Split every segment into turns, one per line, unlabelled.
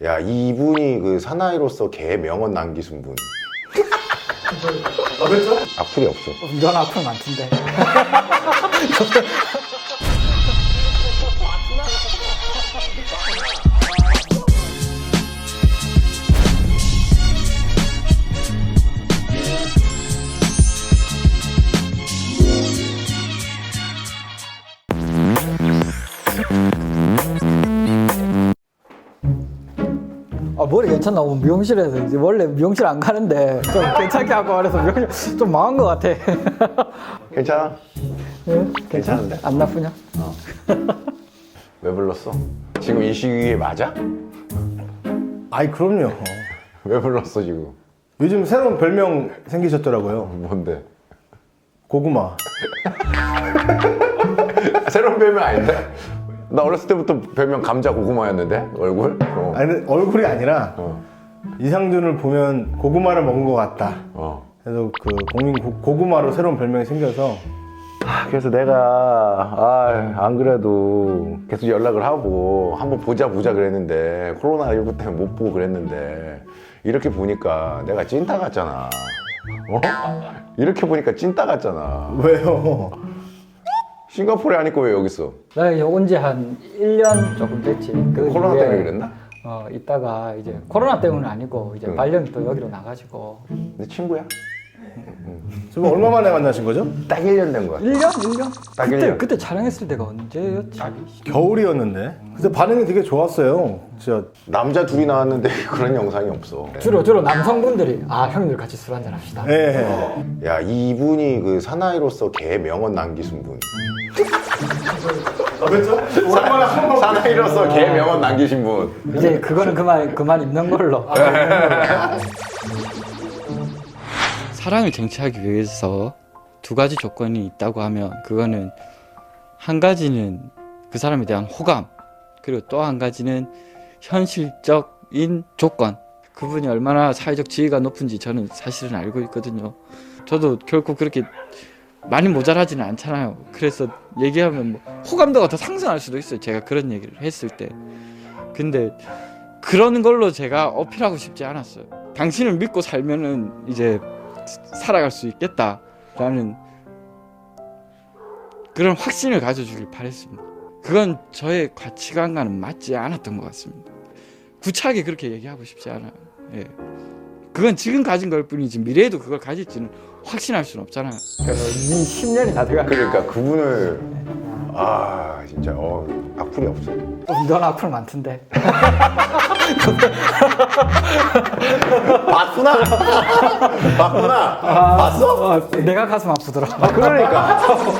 야, 이분이 그 사나이로서 개 명언 남기신 분.
아, 그렇죠?
악플이 없어.
넌 악플 많던데. 아, 머리 괜찮나? 오늘 미용실에서 이제 원래 미용실 안 가는데 좀 괜찮게 하고 그래서 미용실 좀 망한 것 같아.
괜찮아?
예?
괜찮은데?
안 나쁘냐?
왜 불렀어? 지금 이 시기에 맞아?
아이, 그럼요.
왜 불렀어 지금?
요즘 새로운 별명 생기셨더라고요.
뭔데?
고구마.
새로운 별명 아닌데? 나 어렸을 때부터 별명 감자 고구마였는데 얼굴?
아니, 얼굴이 아니라 이상준을 보면 고구마를 먹은 것 같다. 그래서 그 국민 고구마로 새로운 별명이 생겨서
그래서 내가 안 그래도 계속 연락을 하고 한번 보자 그랬는데 코로나19 때문에 못 보고 그랬는데 이렇게 보니까 내가 찐따 같잖아. 이렇게 보니까 찐따 같잖아.
왜요?
싱가포르에 안 있고 왜 여기 있어?
나 이제 온 지 한 1년 조금 됐지. 그
코로나
이후에,
때문에 그랬나?
이따가 이제 코로나 때문은 아니고 이제 발령이 또 여기로 나가지고.
내 친구야?
지금 얼마 만에 만나신 거죠?
딱 1년 된 거야.
1년? 1년?
딱
그때,
1년.
그때 촬영했을 때가 언제였지?
겨울이었는데. 근데 반응이 되게 좋았어요. 진짜.
남자 둘이 나왔는데 그런 영상이 없어.
주로 남성분들이 형님들 같이 술 한잔 합시다.
예.
야, 이분이 그 사나이로서 개 명언 남기신 분.
아, 그렇죠? 오랜만에 한번
사나이로서 개 명언 남기신 분.
이제 그거는 그만 입는 걸로. 사랑을 쟁취하기 위해서 두 가지 조건이 있다고 하면 그거는 한 가지는 그 사람에 대한 호감, 그리고 또 한 가지는 현실적인 조건. 그분이 얼마나 사회적 지위가 높은지 저는 사실은 알고 있거든요. 저도 결코 그렇게 많이 모자라지는 않잖아요. 그래서 얘기하면 뭐 호감도가 더 상승할 수도 있어요. 제가 그런 얘기를 했을 때. 근데 그런 걸로 제가 어필하고 싶지 않았어요. 당신을 믿고 살면은 이제 살아갈 수 있겠다라는 그런 확신을 가져주길 바랬습니다. 그건 저의 가치관과는 맞지 않았던 것 같습니다. 구차하게 그렇게 얘기하고 싶지 않아요. 예. 그건 지금 가진 걸 뿐이지 미래에도 그걸 가질지는 확신할 수는 없잖아요. 이미 10년이 다 돼가.
그러니까 그분을 진짜 악플이 없어.
넌 악플 많던데.
봤구나. 봤구나. 봤어?
내가 가슴 아프더라.
그러니까.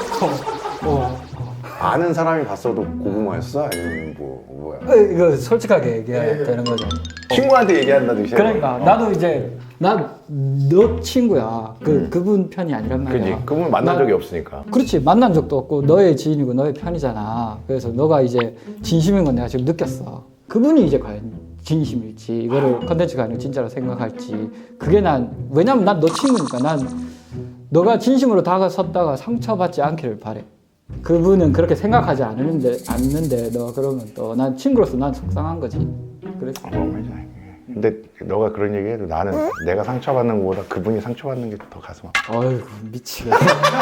아는 사람이 봤어도 고구마였어? 아니면 뭐야?
이거 솔직하게 얘기해야 되는 거죠.
친구한테 얘기한다듯이.
그러니까 나도 이제 너 친구야. 그분 편이 아니란 말이야.
그지. 그분 만난 적이 없으니까.
그렇지. 만난 적도 없고 너의 지인이고 너의 편이잖아. 그래서 너가 이제 진심인 건 내가 지금 느꼈어. 그분이 이제 과연 진심일지 이거를 컨텐츠가 아니고 진짜로 생각할지 그게 왜냐면 난 너 친구니까 난 너가 진심으로 다가섰다가 상처받지 않기를 바래. 그분은 그렇게 생각하지 않는데 너 그러면 또 난 친구로서 난 속상한 거지. 그래서
근데 너가 그런 얘기해도 나는 내가 상처받는 것보다 그분이 상처받는 게 더 가슴 아파.
어이구 미치겠다.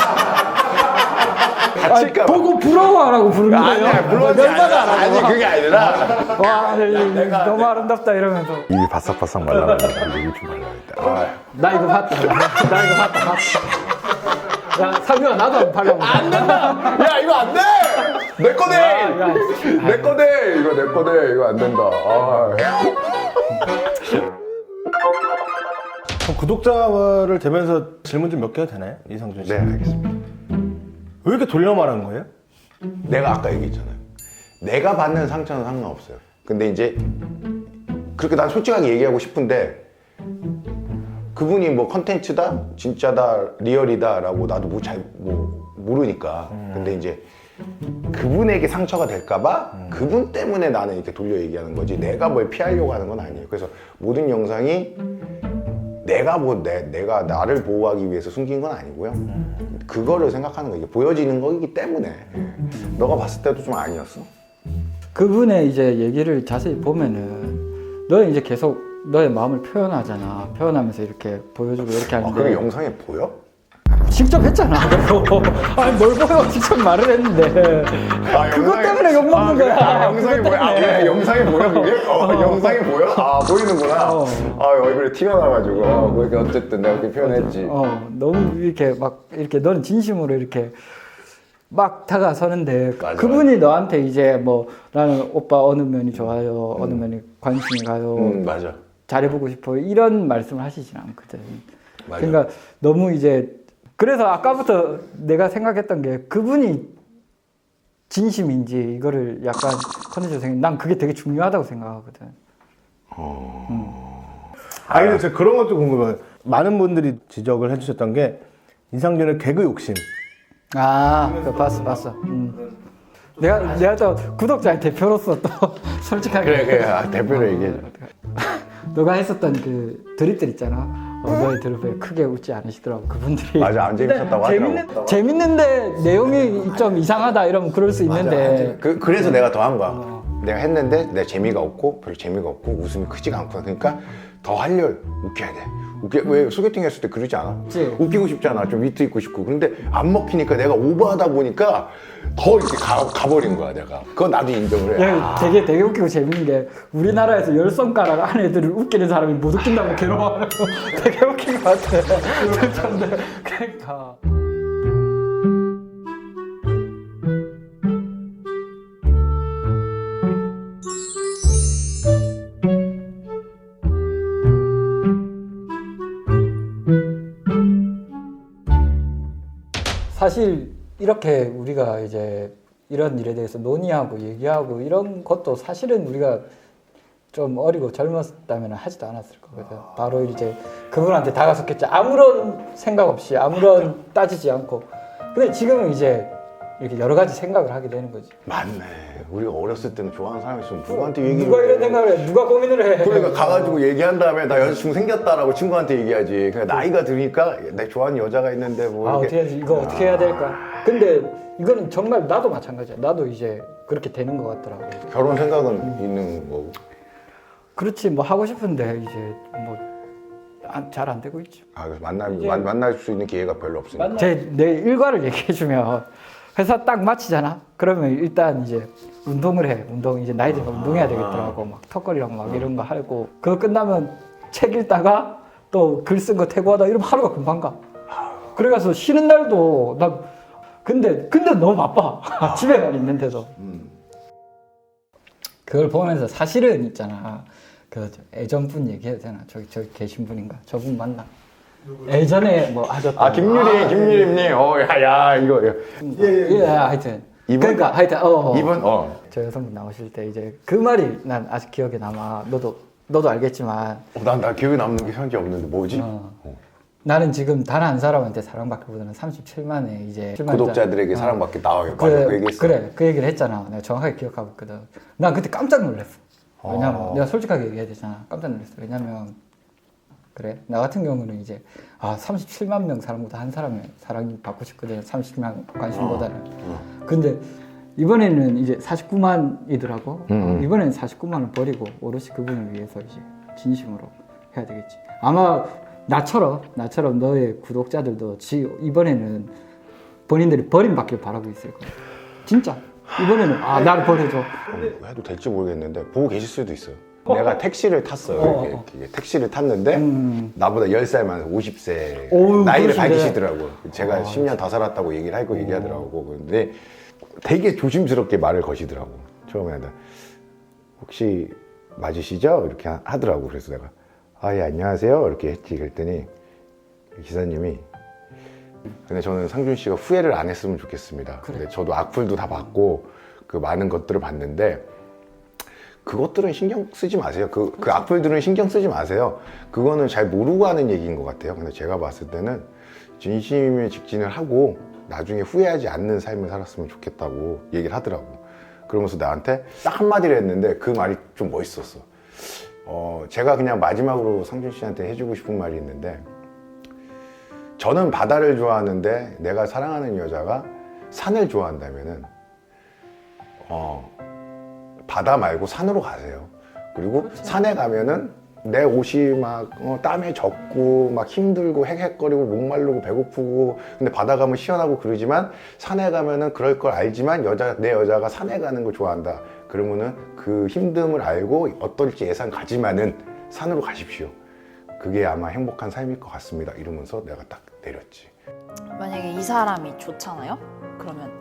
다칠까 봐.
보고 부러워하라고 부르는 거예요.
아니야, 물론이 아니 그게 아니라.
와 너무 아름답다 이러면서
입이 바싹바싹 말라가지고 입이 좀 말라야겠다.
나 이거 봤다. 나 이거 봤다. 야 상규야 나도 한번 발라봐.
안 된다. 야 이거 안 돼. 내 거네. 내 거네. 이거 내 거네. 이거 안 된다.
그럼 구독자를 대면서 질문 좀 몇 개 해도 되나요? 이상준 씨.
네, 알겠습니다.
왜 이렇게 돌려 말하는 거예요?
내가 아까 얘기했잖아요. 내가 받는 상처는 상관없어요. 근데 이제 그렇게 난 솔직하게 얘기하고 싶은데 그분이 뭐 컨텐츠다, 진짜다, 리얼이다라고 나도 잘 모르니까. 근데 이제 그분에게 상처가 될까봐 그분 때문에 나는 이렇게 돌려 얘기하는 거지. 내가 뭘 피하려고 하는 건 아니에요. 그래서 모든 영상이 내가 나를 보호하기 위해서 숨긴 건 아니고요. 그거를 생각하는 거, 이게 보여지는 거기 때문에. 너가 봤을 때도 좀 아니었어?
그분의 이제 얘기를 자세히 보면은 너는 이제 계속 너의 마음을 표현하잖아. 표현하면서 이렇게 보여주고 이렇게
아,
하는데
그게 영상에 보여?
직접 했잖아. 아니 뭘 보여? 직접 말을 했는데 그것 때문에 욕 먹는 거야.
영상이
그것
보여? 아,
때문에.
그래, 영상이 보여 그게? 영상이 보여? 아, 보이는구나. 아, 얼굴에 티가 나가지고. 그러니까 어쨌든 내가 그렇게 표현했지.
너무 이렇게 막 이렇게 너는 진심으로 이렇게 막 다가서는데
맞아,
그분이 너한테 이제 뭐 나는 오빠 어느 면이 좋아요, 어느 면이 관심이 가요,
맞아.
잘해보고 싶어 이런 말씀을 하시진 않거든.
맞아.
그러니까 너무 이제 그래서 아까부터 내가 생각했던 게 그분이 진심인지 이거를 약간 컨텐츠로 난 그게 되게 중요하다고 생각하거든.
아 근데 저 그런 것도 궁금해요. 많은 분들이 지적을 해주셨던 게 이상준의 개그 욕심.
그거 봤어. 내가 또 구독자의 대표로서 또 솔직하게
그래. 아, 대표로 얘기해.
너가 했었던 그 드립들 있잖아. 너의 드립에 크게 웃지 않으시더라고 그분들이.
맞아, 안 재밌었다고 하더라고.
재밌는데 내용이 좀 이상하다 이러면 그럴 수 있는데.
그래서 내가 더 한 거야. 내가 했는데 내 재미가 없고 별로 재미가 없고 웃음이 크지가 않구나. 그러니까 더 하려 웃겨야 돼. 왜 소개팅 했을 때 그러지 않아?
그치.
웃기고 싶잖아. 좀 위트 있고 싶고. 근데 안 먹히니까 내가 오버하다 보니까 더 이렇게 가버린 거야 내가. 그건 나도 인정을 해.
야, 되게 웃기고 재밌는 게 우리나라에서 10손가락 안 애들을 웃기는 사람이 못 웃긴다고 괴로워하는 거 되게 웃긴 것 같아. 그러니까. 사실 이렇게 우리가 이제 이런 일에 대해서 논의하고 얘기하고 이런 것도 사실은 우리가 좀 어리고 젊었다면 하지도 않았을 거거든. 바로 이제 그분한테 다가섰겠지. 아무런 생각 없이 아무런 따지지 않고. 근데 지금은 이제 이렇게 여러 가지 생각을 하게 되는 거지.
맞네. 우리가 어렸을 때는 좋아하는 사람 있으면 누구한테 얘기를
누가 이런
해?
생각을 해? 누가 고민을 해?
그러니까 가가지고 얘기한 다음에 나 여자친구 생겼다라고 친구한테 얘기하지. 그러니까 나이가 드니까 내 좋아하는 여자가 있는데 뭐 이렇게.
어떻게 해야지? 이거 어떻게 해야 될까? 근데 이거는 정말 나도 마찬가지야. 나도 이제 그렇게 되는 것 같더라고.
결혼 생각은 있는 거고.
그렇지 뭐 하고 싶은데 이제 뭐 잘 안 되고 있지.
그래서 만날 수 있는 기회가 별로 없으니까.
내 일과를 얘기해주면 회사 딱 마치잖아. 그러면 일단 이제 운동을 해. 이제 나이 들면 운동해야 되겠더라고. 막 턱걸이랑 막 이런 거 하고. 그거 끝나면 책 읽다가 또 글 쓴 거 태고하다 이러면 하루가 금방 가. 그래가서 쉬는 날도 나 근데 너무 바빠. 집에만 있는데도. 그걸 보면서 사실은 있잖아. 그 애전분 얘기해도 되나? 저기 계신 분인가? 저분 맞나? 예전에 뭐 하셨던
김유림님. 야 이거.
예, 하여튼
이분?
그러니까 하여튼
이분?
저 여성분 나오실 때 이제 그 말이 난 아직 기억에 남아. 너도 알겠지만
나 기억에 남는 게 현재 없는데 뭐지?
나는 지금 단 한 사람한테 사랑받기보다는 37만에 이제
구독자들에게 사랑받기 나와요. 맞아, 그 얘기했어.
그래 그 얘기를 했잖아. 내가 정확하게 기억하고 있거든. 난 그때 깜짝 놀랐어. 왜냐면 내가 솔직하게 얘기해야 되잖아. 깜짝 놀랐어. 왜냐면 그래 나 같은 경우는 이제 37만 명 사람보다 한 사람의 사랑이 받고 싶거든. 30만 관심보다는. 근데 이번에는 이제 49만이더라고. 이번에는 49만을 버리고 오롯이 그분을 위해서 이제 진심으로 해야 되겠지. 아마 나처럼 너의 구독자들도 이번에는 본인들이 버림받길 바라고 있을 거야. 진짜 이번에는 나를 버려줘.
해도 될지 모르겠는데 보고 계실 수도 있어요. 내가 택시를 탔어요. 이렇게 택시를 탔는데 나보다 10살 많은 50세 나이를
그러시네.
밝히시더라고요. 제가 10년 더 살았다고 얘기를 하고 얘기하더라고. 근데 되게 조심스럽게 말을 거시더라고. 처음에는 혹시 맞으시죠? 이렇게 하더라고. 그래서 내가 예 안녕하세요 이렇게 했지. 그랬더니 기사님이 근데 저는 상준 씨가 후회를 안 했으면 좋겠습니다. 근데 저도 악플도 다 받고 그 많은 것들을 봤는데 그것들은 신경 쓰지 마세요. 그 악플들은 신경 쓰지 마세요. 그거는 잘 모르고 하는 얘기인 것 같아요. 근데 제가 봤을 때는 진심에 직진을 하고 나중에 후회하지 않는 삶을 살았으면 좋겠다고 얘기를 하더라고. 그러면서 나한테 딱 한마디를 했는데 그 말이 좀 멋있었어. 제가 그냥 마지막으로 상준 씨한테 해주고 싶은 말이 있는데 저는 바다를 좋아하는데 내가 사랑하는 여자가 산을 좋아한다면은 바다 말고 산으로 가세요. 그리고 산에 가면은 내 옷이 막 땀에 젖고 막 힘들고 헥헥거리고 목마르고 배고프고 근데 바다 가면 시원하고 그러지만 산에 가면은 그럴 걸 알지만 내 여자가 산에 가는 걸 좋아한다. 그러면은 그 힘듦을 알고 어떨지 예상 가지만은 산으로 가십시오. 그게 아마 행복한 삶일 것 같습니다. 이러면서 내가 딱 내렸지.
만약에 이 사람이 좋잖아요? 그러면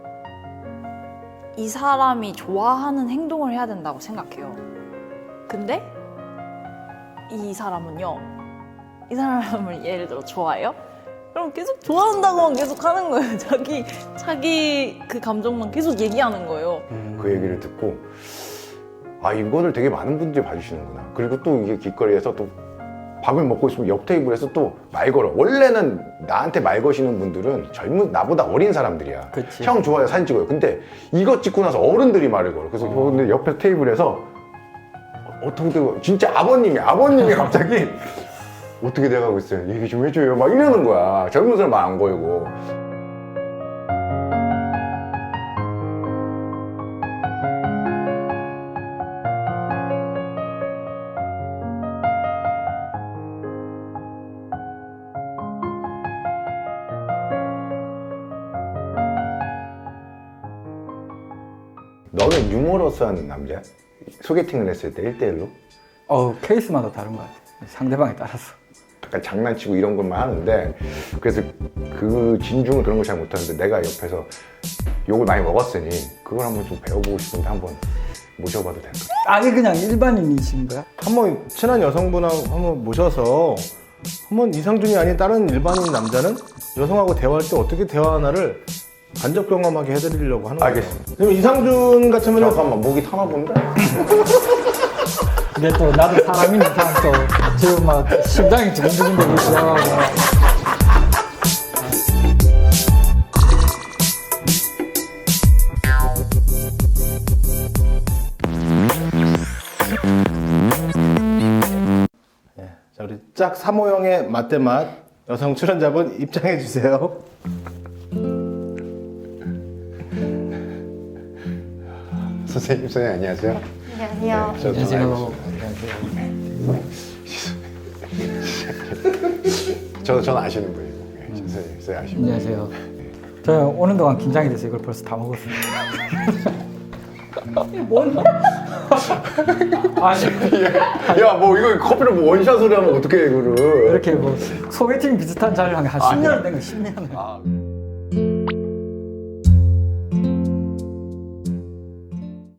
이 사람이 좋아하는 행동을 해야 된다고 생각해요. 근데 이 사람은요, 이 사람을 예를 들어 좋아해요? 그럼 계속 좋아한다고만 계속 하는 거예요. 자기 그 감정만 계속 얘기하는 거예요.
그 얘기를 듣고 아 이거를 되게 많은 분들이 봐주시는구나. 그리고 또 이게 길거리에서 또 밥을 먹고 있으면 옆 테이블에서 또 말 걸어. 원래는 나한테 말 거시는 분들은 나보다 어린 사람들이야.
그치.
형 좋아요 사진 찍어요. 근데 이거 찍고 나서 어른들이 말을 걸어. 그래서 근데 옆에 테이블에서 어떻게 진짜 아버님이 갑자기 어떻게 돼가고 있어요? 얘기 좀 해줘요. 막 이러는 거야. 젊은 사람 말 안 걸고. 너는 유머러스한 남자야? 소개팅을 했을 때 1대1로?
케이스마다 다른 것 같아요. 상대방에 따라서.
약간 장난치고 이런 것만 하는데 그래서 그 진중을 그런 걸 잘 못하는데 내가 옆에서 욕을 많이 먹었으니 그걸 한번 좀 배워보고 싶은데 한번 모셔봐도 될까?
아니 그냥 일반인이신 거야?
한번 친한 여성분하고 한번 모셔서 한번 이상준이 아닌 다른 일반인 남자는 여성하고 대화할 때 어떻게 대화하나를 간접 경험하게 해드리려고 하는 거예요.
알겠습니다.
그러면 이상준 같으면
잠깐만 목이 타나 본데?
근데 또 나도 사람이니까 또 지금 막 심장이 두근두근대고 있어.
자, 우리 짝 3호형의 맛대맛 여성 출연자분 입장해 주세요.
선생님 안녕하세요.
안녕하세요.
저
안녕하세요.
저는 아시는 분이고 선생님 아시는 분.
안녕하세요. 저 오는 동안 긴장이 돼서 이걸 벌써 다 먹었어요. 아니
야 뭐 이거 커피를 뭐 원샷으로 하면 어떻게 이거를
이렇게 뭐 소개팅 비슷한 자리를 한 10년 된 거 10년.
아.